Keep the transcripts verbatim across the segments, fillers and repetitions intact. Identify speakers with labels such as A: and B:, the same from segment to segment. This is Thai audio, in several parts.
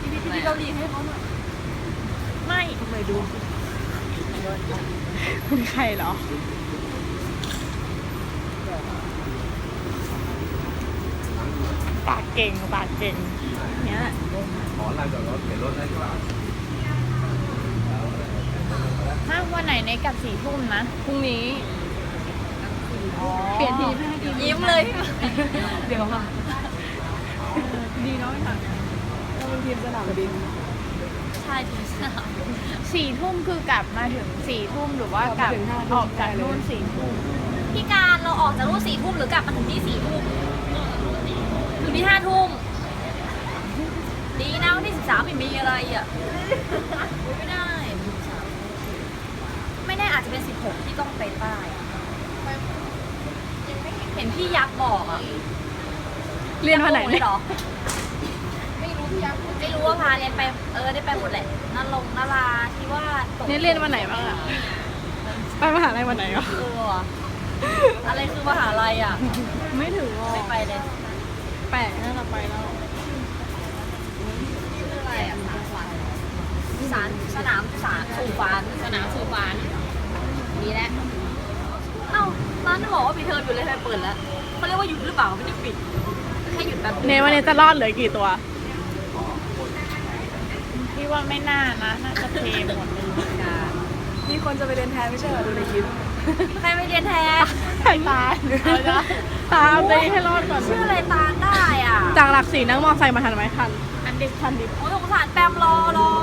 A: ดีพี่ดีเกาหลีให้เขาหน่อยไม่ทำไมดูคุณใครเหรอปากเก่งปากเก่งเนี้ย
B: ขอลานจอดรถเปลี่ยนรถได้ก็
A: ถ้าวันไหนในกับสี่ทุ่มนะพรุ่งนี้เปลี่ยนทีมให้ทีมยิ้มเลยเดี๋ยวค่ะดีเนาะค่ะเราเป็นทีมสนามบินใช่ทีมสนามสี่ทุ่มคือกลับมาถึงสี่ทุ่มหรือว่ากลับออกจากนู่นสี่ทุ่ม
C: พี่การเราออกจากนู่นสี่ทุ่มหรือกลับมาถึงที่สี่ทุ่มถึงที่ห้าทุ่มดีนะวันที่สิบสามไม่มีอะไรอ่ะไม่ได้ไม่แน่อาจจะเป็นสิบหกที่ต้องไปใต้เห็นพี่ยักษ์บอกอ่ะ
A: เรียนวันไหน
C: เหรอไม่รู้พี่ยักษ์ไม่รู้ว่าพาเรียนไปเออได้ไปหมดแหละนั่นลงนาราที่ว่า
A: นี่เรียนวันไหนบ้างอ่ะไปมหาลัยวันไหนอ่ะ
C: เอออะไรคือมหาลัยอ่ะ
A: ไม่ถึง
C: ไม่ไปเลย
A: แปลกน่าจะไปแล้ว
C: ชื่ออะไรอ่ะสารสนามสารสู่ฟานสนามสู่ฟานดีแล้วเอ้าร้านจะบอกว่าปิดเทอมอยู่เลยทำไมเปิดแล้วเขาเรียกว่าหยุดหรือเปล่าไม่ได้ปิดแค่หยุดแบบ
A: เนวันนี้จะรอดเหลือกี่ตัวพี่ว่าไม่น่านะน่าจะเทหมดเลยมีคนจะไปเรียนแทนไม่ใช่เหรอดูในคลิป
C: ใครไปเรียนแทน
A: ใครตายตามไปให้รอดก่อน
C: ชื่ออะไรตาได้อ่ะ
A: จากหลักสี่นั่งมอไซค์มาทันไหมทันอันดิบทันดิบ
C: โอ้ยสงสารแปมรอรอ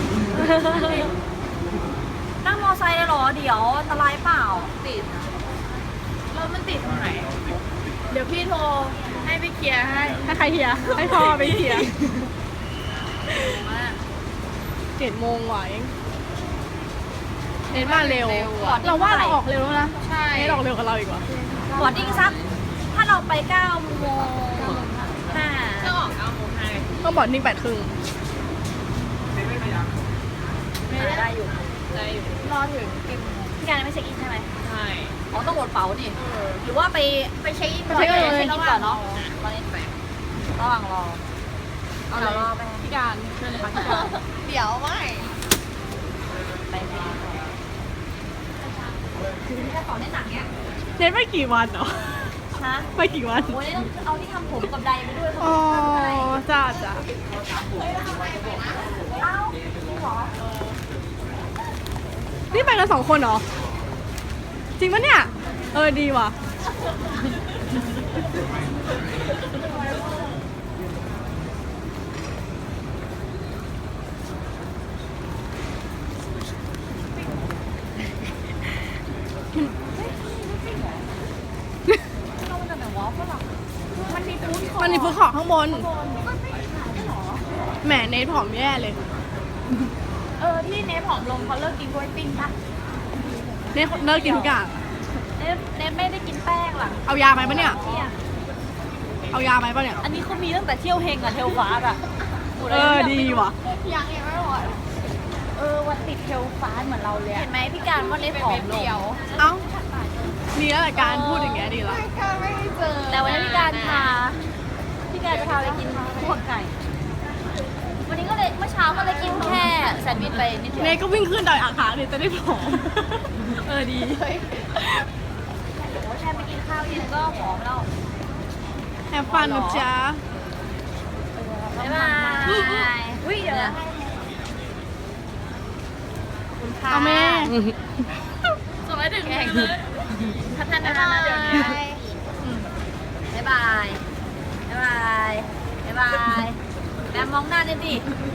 C: นั่งมอไซค์เลยหรอเดี๋ยวอันตรายเปล่าติด
A: แล้วมันติดตรงไหนเดี๋ยวพี่โทรให้ไปเคลียร์ให้ให้ใครเคลียร์ให้พ่อไปเคลียร์เจ็ดโมงไหวเน้นมาเร็วเราว่าเราออกเร็วแล้วนะใช่เน้นออกเร็วกับเราอีกว่า
C: บอร์ดดิ้งสักถ้าเราไปเก้าโมงห้า
A: ก็ออกเก้าโมงห้าต้องบอร์ดดิ้งแปดครึ่ง
C: ไม่ได้อยู่
A: ได้อยู่รอถึงกี่โมง
C: พี่การไม่เช็คอินใช่ไหม
A: ใช่
C: อ๋อต้องกดเป๋าดิหรือว่าไปไปเช็คอินก่อนเช็คอินก่อนเนาะตอนนี้ระหว่างรอเอาเรารอไป
A: พี่การเชิญเลยค่ะพี่การ
C: เดี๋ยวไม่ไปไปคือที่กระเป๋าได้หนักเนี้ย
A: เน้นไปกี่วันเหรอ
C: ฮะ
A: ไปกี่วัน
C: โอ้ยต้องเอาที่ทำผมกับใดไปด้วย
A: อ๋อจ้าจ้า
C: เอ้าหรอ
A: นี่ไปกันสองคนเหรอจริงปะเนี่ยเออดีว่ะมันมีฟู้ดคอร์ทข้างบนแหมเนทผอมแย่เลย
C: เออที่เนทผอมลงเขาเลิกกินกล้วยปิ้งปะ
A: เนทเลิกกินทุกอย่าง
C: เนทเนทไม่ได้กินแป้งหรอ
A: เอายาไหมปะเนี่ยเอายาไหมปะเนี่ย
C: อันนี้เขามีตั้งแต่เที่ยวเฮงกับเทลฟ้าอะ
A: เออดีว่ะ
C: ยังยังไม่หมดเออวันติดเทลฟ้าเหมือนเราเลยเห็นไหมพี่การว่าเนทผอมลง
A: เอ้าดีแล้วแต่การพูดอย่างเงี้ยดีแล้ว
C: ไม่เจอแต่วันนี้พี่การพาพี่การจะพาไปกินพวกไก่วันนี้ก็เลยเมื่อเช้าก็เลยกินแค่แซนด์วิชไปนิดเดียว
A: เนยก็วิ่งขึ้นดอยอ่างขางเดี๋ยวจะได้ผอมเออดี
C: โอ้แค่ไปกินข้าวเย็นก็ผอมแล้ว
A: แฮปฟันนะจ๊ะ
C: บ๊ายบายอุ้ยเดี๋ยวคุณค่ะ
A: เอาแม่
C: ส่งให้ถึงเลยพัฒนานะเดี๋ยวนี้บ๊ายบายบ๊ายบายบ๊ายบายแบมมองหน้าเนี่ยดิ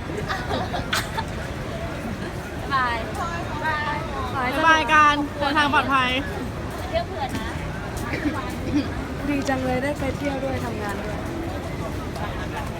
C: บ๊ายบาย
A: บ๊ายบายกันเดินทางปลอดภัย
C: เที่ยวเผื่อนะ
A: ดีจังเลยได้ไปเที่ยวด้วยทำงานด้วย